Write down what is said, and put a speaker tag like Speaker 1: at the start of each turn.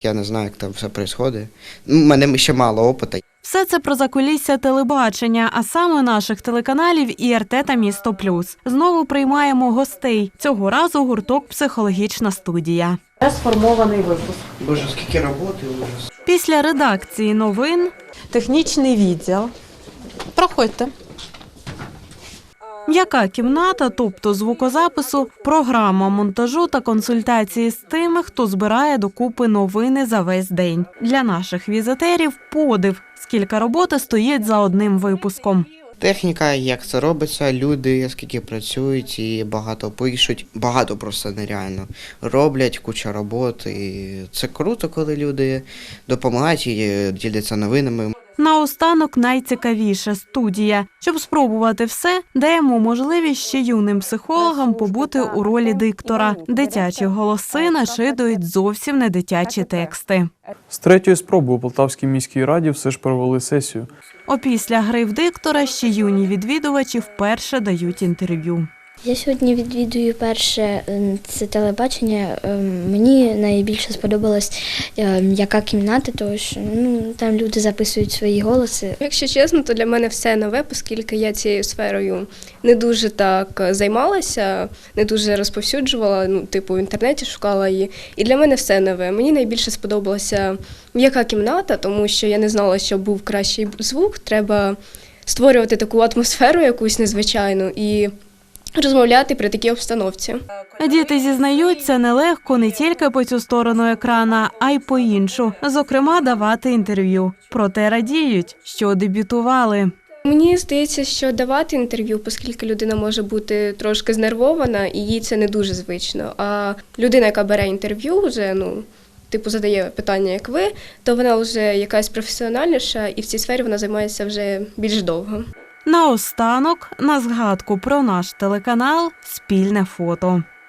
Speaker 1: Я не знаю, як там все відбувається. У мене ще мало опиту.
Speaker 2: Все це про закулісся телебачення, а саме наших телеканалів ІРТ та Місто Плюс. Знову приймаємо гостей. Цього разу гурток «Психологічна студія». Сформований випуск.
Speaker 1: Боже, скільки роботи ужас.
Speaker 2: Після редакції новин технічний відділ. Проходьте. М'яка кімната, тобто звукозапису, програма монтажу та консультації з тими, хто збирає докупи новини за весь день. Для наших візитерів подив, скільки роботи стоїть за одним випуском.
Speaker 1: Техніка, як це робиться, люди, скільки працюють і багато пишуть. Багато просто нереально. Роблять, куча роботи. І це круто, коли люди допомагають і діляться новинами.
Speaker 2: Наостанок найцікавіше – студія. Щоб спробувати все, даємо можливість ще юним психологам побути у ролі диктора. Дитячі голоси нашидують зовсім не дитячі тексти.
Speaker 3: З третьої спроби у Полтавській міській раді все ж провели сесію.
Speaker 2: Опісля гри в диктора ще юні відвідувачі вперше дають інтерв'ю.
Speaker 4: Я сьогодні відвідую перше це телебачення. Мені найбільше сподобалась яка кімната, тому що там люди записують свої голоси.
Speaker 5: Якщо чесно, то для мене все нове, оскільки я цією сферою не дуже так займалася, не дуже розповсюджувала, в інтернеті шукала її. І для мене все нове. Мені найбільше сподобалася м'яка кімната, тому що я не знала, що був кращий звук. Треба створювати таку атмосферу якусь незвичайну і розмовляти при такій обстановці.
Speaker 2: Діти зізнаються, нелегко не тільки по цю сторону екрана, а й по іншу. Зокрема, давати інтерв'ю. Проте радіють, що дебютували.
Speaker 5: Мені здається, що давати інтерв'ю, оскільки людина може бути трошки знервована, і їй це не дуже звично. А людина, яка бере інтерв'ю, вже задає питання, як ви, то вона вже якась професіональніша, і в цій сфері вона займається вже більш довго.
Speaker 2: Наостанок, на згадку про наш телеканал, спільне фото.